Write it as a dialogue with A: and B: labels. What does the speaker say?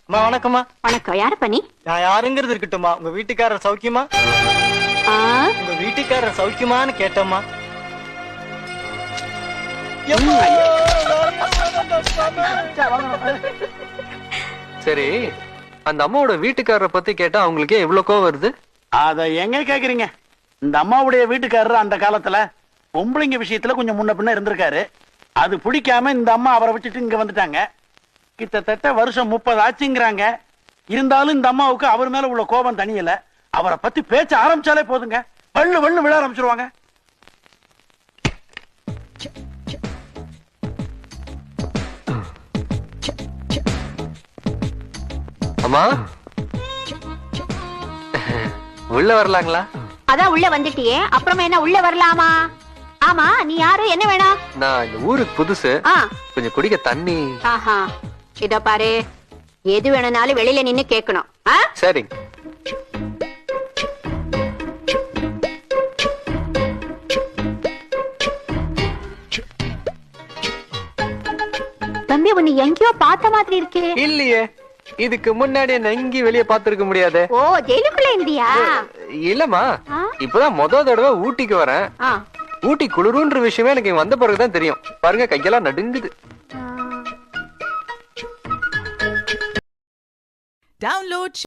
A: அம்மா வணக்கம்மா.
B: வணக்கம். யாரு பண்ணி?
A: நான் யாருங்கிறது இருக்கட்டும்மா. உங்க வீட்டுக்காரர் சௌக்கியமா? உங்க வீட்டுக்காரர் சௌக்கியமான்னு கேட்டம்மா.
C: சரி, அந்த அம்மாவோட வீட்டுக்காரரை பத்தி கேட்டா அவங்களுக்கே எவ்வளவு கோவம் வருது?
D: அத எங்க கேக்குறீங்க? இந்த அம்மாவுடைய வீட்டுக்காரர் அந்த காலத்துல பொம்பளைங்க விஷயத்துல கொஞ்சம் முன்ன பின்ன இருந்திருக்காரு. அது பிடிக்காம இந்த அம்மா அவரை விட்டுட்டு இங்க வந்துட்டாங்க. கிட்டத்தட்ட வருஷம் 30 ஆச்சுங்கிறாங்க. இருந்தாலும் இந்த அம்மாவுக்கு அவர் மேல உள்ள கோபம் தனியல. அவரை பத்தி பேச்ச ஆரம்பிச்சாலே போதுங்க, வள்ளு வள்ளு விழ ஆரம்பிச்சிருவாங்க.
C: அம்மா உள்ள வரலாங்களா?
B: அதான் உள்ள வந்துட்டியே, அப்புறமா என்ன உள்ள வரலாமா? ஆமா, நீ யாரு, என்ன வேணும்?
C: நான் இந்த ஊருக்கு புதுசு, கொஞ்சம் குடிக்க தண்ணி.
B: ஆஹா, இதோ பாரு, எது வேணும்னாலும் வெளியில நின்னு கேட்கணும்.
C: சரிங்க.
B: தம்பி, உன்னை எங்கேயோ பார்த்த மாதிரி இருக்கே.
C: இல்லையே, இதுக்கு முன்னாடி என்ன எங்கேயும் வெளியே பார்த்திருக்க முடியாது.
B: ஓ, ஜெயிலுக்குள்ள இருந்தியா?
C: இல்லம்மா, இப்பதான் முத தடவை ஊட்டிக்கு வரேன். ஊட்டி குளிருன்ற விஷயமே எனக்கு வந்த பிறகுதான் தெரியும். பாருங்க, கையெல்லாம் நடுங்குது.
E: Download